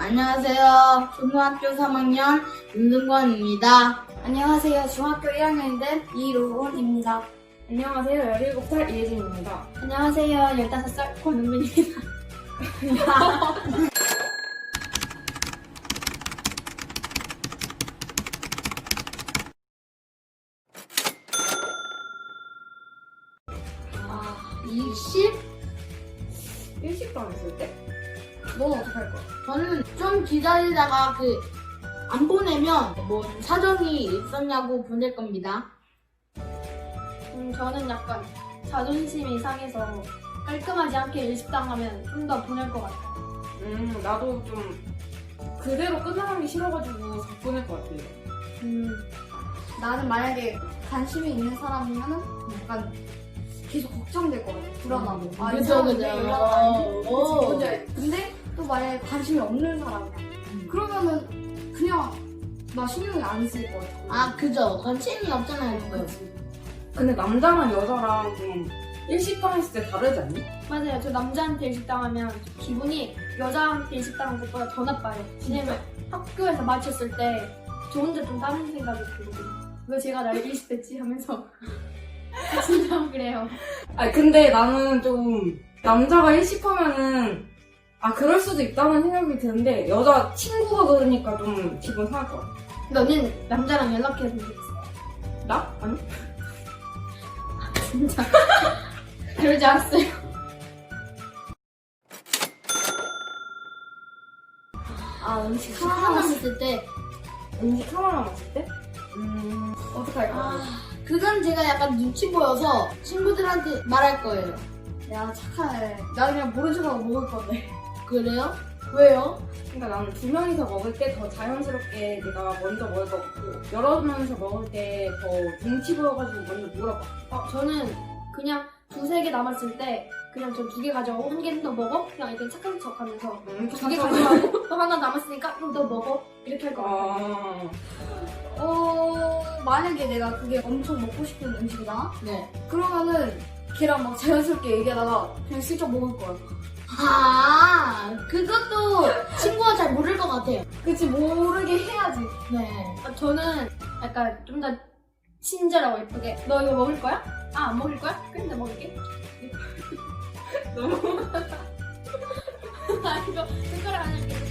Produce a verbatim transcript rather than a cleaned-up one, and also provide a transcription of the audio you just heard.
안녕하세요. 초등학교 삼 학년 윤승권입니다. 안녕하세요. 중학교 일 학년이 된 이로운입니다. 안녕하세요. 열일곱 살 이혜진입니다. 안녕하세요. 열다섯 살 권은빈입니다. 아, 이십? 일식당 했을 때? 넌 어떻게 할 거야? 저는 좀 기다리다가 그 안 보내면 뭐 사정이 있었냐고 보낼 겁니다. 음, 저는 약간 자존심이 상해서 깔끔하지 않게 일식당 하면 좀 더 보낼 것 같아요. 음, 나도 좀 그대로 끝나는 게 싫어가지고 보낼 것 같아요. 음, 나는 만약에 관심이 있는 사람이면은 약간 계속 걱정될 것 같아. 불안하고. 아, 이 그죠, 사람은 그죠. 왜 연락 안 해? 오. 근데, 근데 또 만약에 관심이 없는 사람이야. 그러면은 그냥 나 신경이 안 쓰일 것 같아. 아, 그죠. 관심이 없잖아요, 지금. 근데 남자랑 여자랑 좀 일식당 했을 때 다르지 않니? 맞아요. 저 남자한테 일식당 하면 기분이 여자한테 일식당 한 것보다 더 나빠요. 왜냐면 학교에서 마쳤을 때 저 혼자 좀 다른 생각이 들거든요. 왜 제가 날 일식됐지 하면서 진짜 그래요. 아니 근데 나는 좀 남자가 일식하면은 아 그럴 수도 있다는 생각이 드는데 여자 친구가 그러니까 좀 기분 상할 것 같아. 근데 언니는 남자랑 연락해 본 적 있어요? 나? 아니? 진짜 그러지 않았어요. 아, 음식 하나 남았을 때, 음식 하나 남았을 때? 음 어떡할 거야? 아, 그건 제가 약간 눈치 보여서 친구들한테 말할 거예요. 야 착하네. 나 그냥 모른 척하고 먹을 건데. 그래요? 왜요? 그러니까 나는 두 명이서 먹을 때 더 자연스럽게 내가 먼저 먹을 것 같고 여러 명이서 먹을 때 더 눈치 보여가지고 먼저 물어봐. 어, 저는 그냥 두세 개 남았을 때 그냥 저 두 개 가져가고 한 개는 더 먹어? 그냥 이렇게 착한 척 하면서 음, 두 개 가져가고 또 하나 남았으니까 그럼 너 먹어? 이렇게 할 것 같아요. 아, 어, 만약에 내가 그게 엄청 먹고 싶은 음식이다? 네. 그러면은 걔랑 막 자연스럽게 얘기하다가 그냥 슬쩍 먹을 거야. 아, 그것도 친구가 잘 모를 것 같아요. 그치, 모르게 해야지. 네. 아, 저는 약간 좀 더 친절하고 예쁘게 너 이거 먹을 거야? 아, 안 먹을 거야? 그럼 나 먹을게. 너무 아, 이거 숟가락 안 할게.